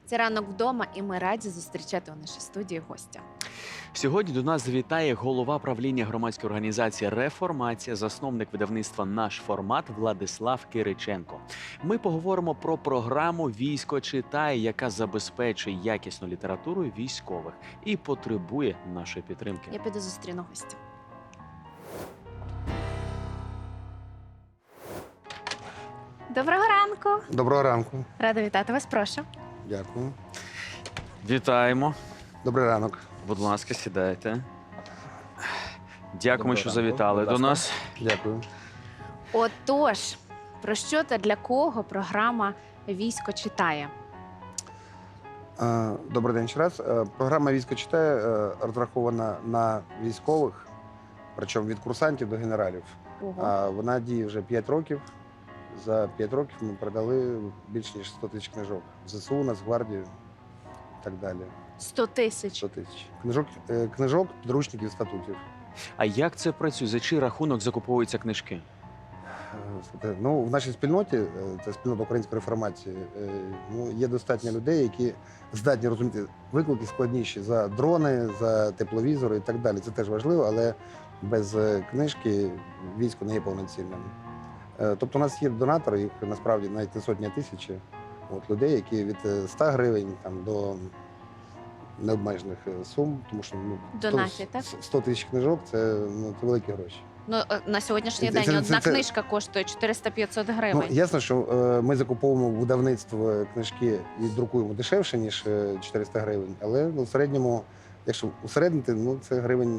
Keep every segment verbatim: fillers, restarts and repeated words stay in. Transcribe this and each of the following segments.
Це ранок вдома, і ми раді зустрічати у нашій студії гостя. Сьогодні до нас завітає голова правління громадської організації «Реформація», засновник видавництва «Наш формат» Владислав Кириченко. Ми поговоримо про програму «Військо читає», яка забезпечує якісну літературу військових і потребує нашої підтримки. Я піду зустріну гостя. Доброго ранку! Доброго ранку. Рада вітати вас, прошу. Дякую. Вітаємо. Добрий ранок. Будь ласка, сідайте. Дякуємо, Доброго що ранку. завітали Будь до ласка. нас. Дякую. Отож, про що та для кого програма «Військо читає»? Е, Добрий день ще раз. Е, Програма «Військо читає» е, розрахована на військових, причому від курсантів до генералів. Ого. А Вона діє вже п'ять років. За п'ять років ми продали більше ніж сто тисяч книжок. В ЗСУ, Нацгвардію і так далі. сто тисяч. сто тисяч. Книжок, е, книжок, підручників, статутів. А як це працює? За чий рахунок закуповуються книжки? Е, слухайте, Ну, в нашій спільноті, е, це спільнота української реформації, е, ну, є достатньо людей, які здатні розуміти виклики складніші за дрони, за тепловізори і так далі. Це теж важливо, але без е, книжки військо не є повноцінним. Е, Тобто у нас є донатори, їх насправді навіть не сотні, а тисячі от, людей, які від е, ста гривень там, до необмежених е, сум, тому що ну, Донатять, так? сто тисяч книжок це, ну, це великі гроші. Ну, е, на сьогоднішній Це- день це- одна це- книжка коштує чотириста-п'ятсот Ну, гривень. ясно, що е, ми закуповуємо в видавництво книжки і друкуємо дешевше, ніж е, чотириста гривень, але ну, в середньому, якщо усереднити, ну це гривень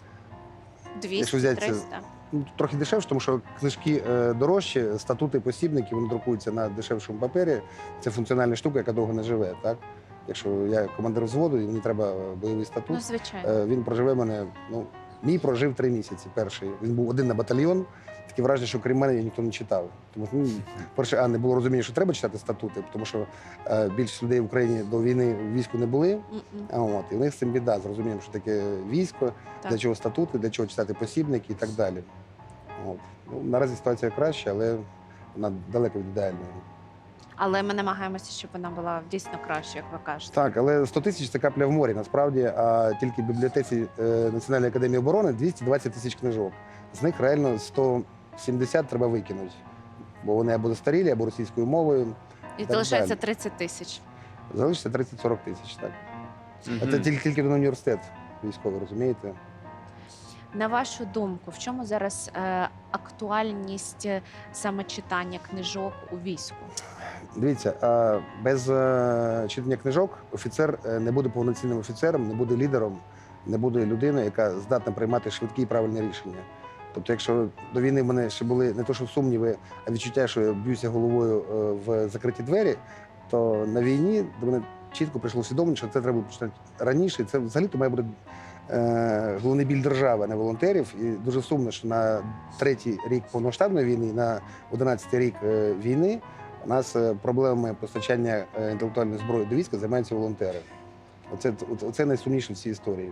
якщо взяти це- двісті-триста. ну, трохи дешевше, тому що книжки е, дорожчі, статути, посібники, вони друкуються на дешевшому папері. Це функціональна штука, яка довго не живе. Так? Якщо я командир взводу і мені треба бойовий статут, Ну, звичайно. е, він проживе мене. Ну, мій прожив три місяці. Перший він був один на батальйон. Таке враження, що крім мене ніхто не читав. Тому ну, перше, а не було розуміння, що треба читати статути, тому що е, більшість людей в Україні до війни в війську не були. М-м. А от і в них з цим біда з розумінням, що таке військо, Так. для чого статути, для чого читати посібники і так далі. От. Ну, наразі ситуація краща, але вона далеко від ідеальної. Але ми намагаємося, щоб вона була дійсно краще, як ви кажете. Так, але сто тисяч це капля в морі, насправді, а тільки в бібліотеці е, Національної академії оборони двісті двадцять тисяч книжок. З них реально сто сімдесят треба викинути, бо вони або застарілі, або російською мовою. І так залишається далі. тридцять тисяч. Залишиться тридцять-сорок тисяч. Так. Мгм. А це тільки, тільки на університет військовий, розумієте? На вашу думку, в чому зараз е, актуальність е, саме читання книжок у війську? Дивіться, а без е, читання книжок офіцер е, не буде повноцінним офіцером, не буде лідером, не буде людиною, яка здатна приймати швидкі і правильні рішення. Тобто, якщо до війни в мене ще були не то, що сумніви, а відчуття, що я б'юся головою е, в закриті двері, то на війні до мене чітко прийшло усвідомлення, що це треба починати раніше. І це взагалі-то має бути е, головний біль держави, а не волонтерів. І дуже сумно, що на третій рік повномасштабної війни, на одинадцятий рік е, війни у нас е, проблемами постачання е, інтелектуальної зброї до війська займаються волонтери. Оце, оце найсумніше в цій історії.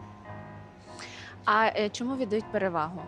А е, чому віддають перевагу?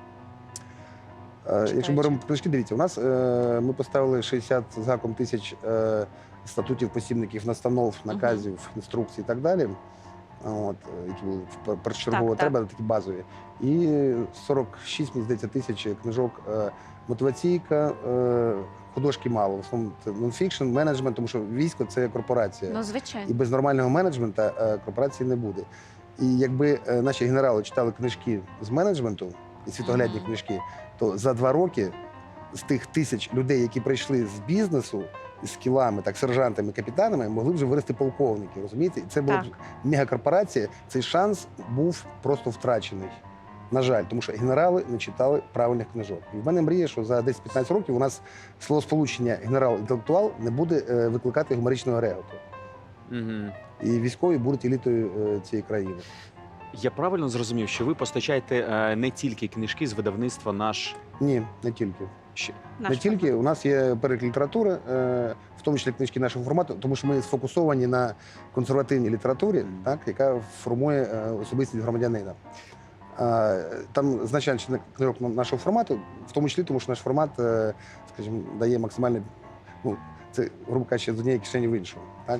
Е, Якщо Читаючи. беремо книжки, дивіться, у нас е, ми поставили шістдесят з гаком тисяч е, статутів, посібників, настанов, наказів, інструкцій і так далі. От, е, які були пер- першочергово Так, так. треба, такі базові. І сорок шість, мені здається, тисяч книжок е, мотиваційка, е, художки мало. В основному це нонфікшн, менеджмент, тому що військо це корпорація. Ну, І звичайно. без нормального менеджменту е, корпорації не буде. І якби е, наші генерали читали книжки з менеджменту і світоглядні Мгм. книжки, то за два роки з тих тисяч людей, які прийшли з бізнесу з скілами, так, сержантами, капітанами, могли б вже вирости полковники. Розумієте? І це була б Так. мегакорпорація. Цей шанс був просто втрачений. На жаль, тому що генерали не читали правильних книжок. І в мене мрія, що за десять-п'ятнадцять років у нас словосполучення генерал-інтелектуал не буде е, викликати гуморичного реготу. Мгм. І військові будуть елітою е, цієї країни. Я правильно зрозумів, що ви постачаєте е, не тільки книжки з видавництва «Наш». Ні, не тільки. Ще- Наш не тільки. У нас є перелік літератури, е, в тому числі книжки нашого формату, тому що ми сфокусовані на консервативній літературі, так, яка формує е, особистість громадянина. А, Там значна частина книжок нашого формату, в тому числі, тому що наш формат, е, скажімо, дає максимальний, ну, це, грубо кажучи, з однієї кишені в іншу. Так?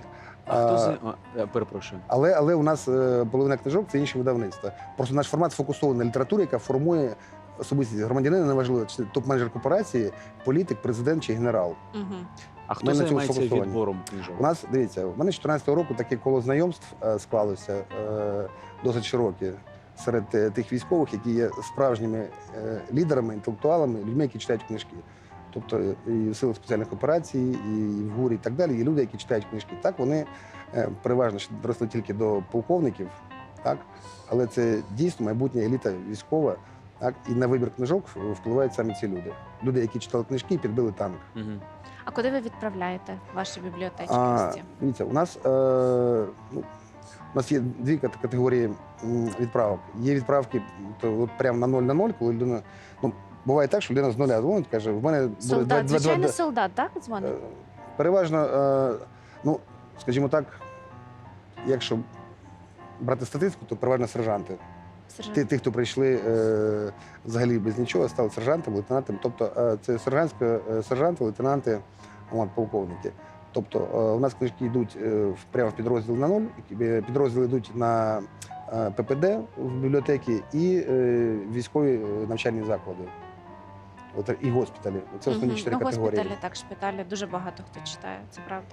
А хто А, з а, е, перепрошую? Але, але у нас е, половина книжок це інші видавництва. Просто наш формат сфокусований на літературі, яка формує особистість громадянина, неважливо, чи топ-менеджер корпорації, політик, президент чи генерал. Угу. А хто Ми на цьому займається сфокусовані. відбором книжок? У нас, дивіться, у мене з чотирнадцятого року таке коло знайомств е, склалося е, досить широке серед е, тих військових, які є справжніми е, лідерами, інтелектуалами, людьми, які читають книжки. Тобто е, і в силах спеціальних операцій, і в ГУРі, і так далі. Є люди, які читають книжки. Так, вони е, переважно ще доросли тільки до полковників, так? Але це дійсно майбутня еліта військова. Так? І на вибір книжок впливають саме ці люди. Люди, які читали книжки і підбили танк. Угу. А куди ви відправляєте ваші бібліотечки? А, ось ці? дивіться, у нас, е, ну, у нас є дві кат- категорії м, відправок. Є відправки то от прямо на ноль на ноль, коли людина. Ну, буває так, що людина з нуля дзвонить, каже, в мене буде Солдат, два- два- звичайно, два- солдат, так, Е, дзвонить? переважно, е, ну, скажімо так, якщо брати статистику, то переважно сержанти. Сержант. Ті, ті, хто прийшли е, взагалі без нічого, стали сержантами, лейтенантами. Тобто е, це сержантська, е, сержанти, лейтенанти, от, полковники. Тобто е, у нас книжки йдуть е, в- прямо в підрозділ на нуль, е, підрозділи йдуть на е, ППД в бібліотеки і е, військові е, навчальні заклади. От, і госпіталі. Це основні Мгм. чотири ну, категорії. госпіталі, так, шпиталі. Дуже багато хто читає, це правда.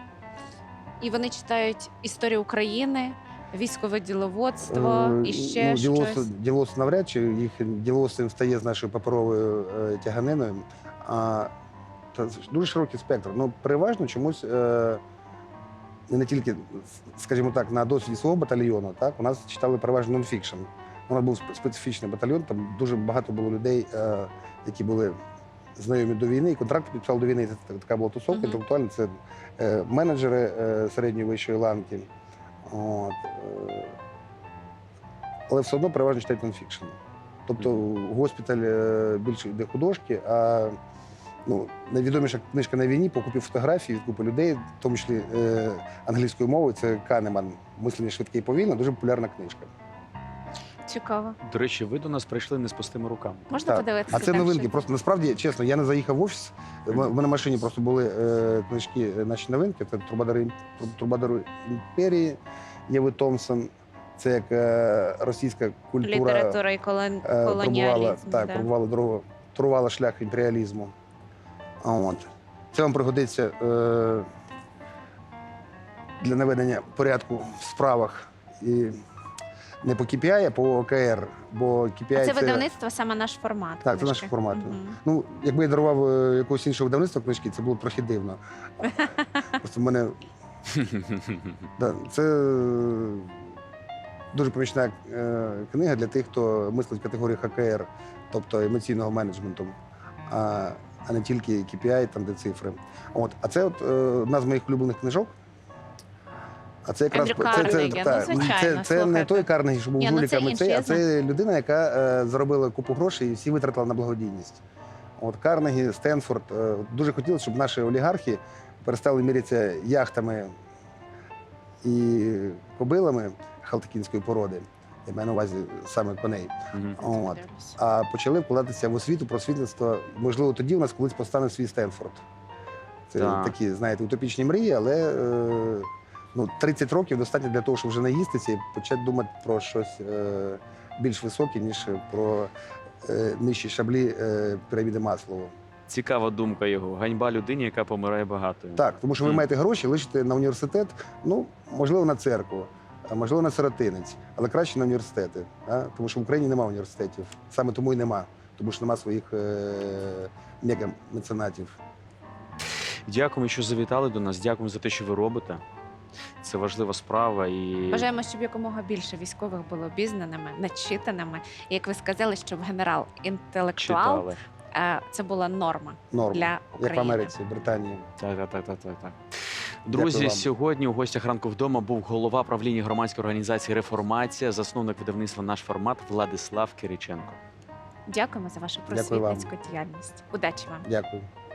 І вони читають історію України, військове діловодство Е, і ще ну, діловодство- щось. Діловодство навряд чи їх діловодство їм стає з нашою паперовою е, тяганиною. А, та з- дуже широкий спектр. Ну, переважно чомусь е, не тільки, скажімо так, на досвіді свого батальйону, так, у нас читали переважно нонфікшн. У нас був спе- специфічний батальйон, там дуже багато було людей, е, які були знайомі до війни, і контракти підписали до війни. Це така була тусовка Мгм. інтелектуальна. Це е, менеджери е, середньої вищої ланки. От, е, але все одно переважно читають нонфікшн. Тобто в госпіталь е, більше йде художки, а ну, найвідоміша книжка на війні по купі фотографій від купи людей, в тому числі е, англійською мовою, це Канеман «Мислення швидке і повільно», дуже популярна книжка. Цікаво. До речі, ви до нас прийшли не з пустими руками. Можна Так. подивитися? А це так, новинки. що- Просто насправді, чесно, я не заїхав в офіс. В мене в мене в машині просто були е, книжки, е, наші новинки. Це Трубадори, ім- Трубадори імперії, Єви Томпсон. Це як е, російська культура. Література і колон... Е, пробувала, колоніалізм. так, да. пробувала дорогу, турувала шлях імперіалізму. А От. Це вам пригодиться е, для наведення порядку в справах. І не по кей пі ай, а по о ка ер. Бо кей пі ай А це видавництво саме наш формат. Так, це книжки. наш формат. Мгм. Ну, якби я дарував е, якогось іншого видавництва книжки, це було б трохи дивно. Просто в мене да, це е, дуже помічна е, книга для тих, хто мислить в категорії ха ка ер, тобто емоційного менеджменту, а, а не тільки кей пі ай, там де цифри. От. А це от, е, одна з моїх улюблених книжок. А це якраз Ендрю це, це, Карнегі, ну, так, звичайно, це, це не слухайте. той Карнегі, що був Ні, ну, це жуліками, інший, цей, я а це людина, яка е, заробила купу грошей і всі витратила на благодійність. От Карнегі, Стенфорд. Е, дуже хотілося, щоб наші олігархи перестали мірятися яхтами і кобилами халтикінської породи. Я маю на увазі саме коней. Мгм. От. Подивлюсь. А почали вкладатися в освіту, просвітництво. Можливо, тоді у нас колись постане свій Стенфорд. Це Так. такі, знаєте, утопічні мрії, але е, ну, тридцять років достатньо для того, щоб вже наїстися і почати думати про щось е, більш високе, ніж про е, нижчі шаблі е, піраміди Маслоу. Цікава думка його. Ганьба людині, яка помирає багатою. Так, тому що ви Мгм. маєте гроші, лишите на університет, ну, можливо, на церкву, а можливо, на сиротинець, але краще на університети. А? Тому що в Україні немає університетів. Саме тому і нема, тому що нема своїх е, мега-меценатів. Дякуємо, що завітали до нас. Дякуємо за те, що ви робите. Це важлива справа. І Бажаємо, щоб якомога більше військових було обізнаними, начитаними. І як ви сказали, щоб генерал інтелектуал читали. е, це була норма Норма. для Як в України. Америці, Британії. Так, так, так, так, так, так. Дякую Друзі, вам. сьогодні у гостях ранку вдома був голова правління громадської організації Реформація, засновник видавництва Наш формат Владислав Кириченко. Дякуємо за вашу Дякую вам. просвітницьку діяльність. Удачі вам! Дякую.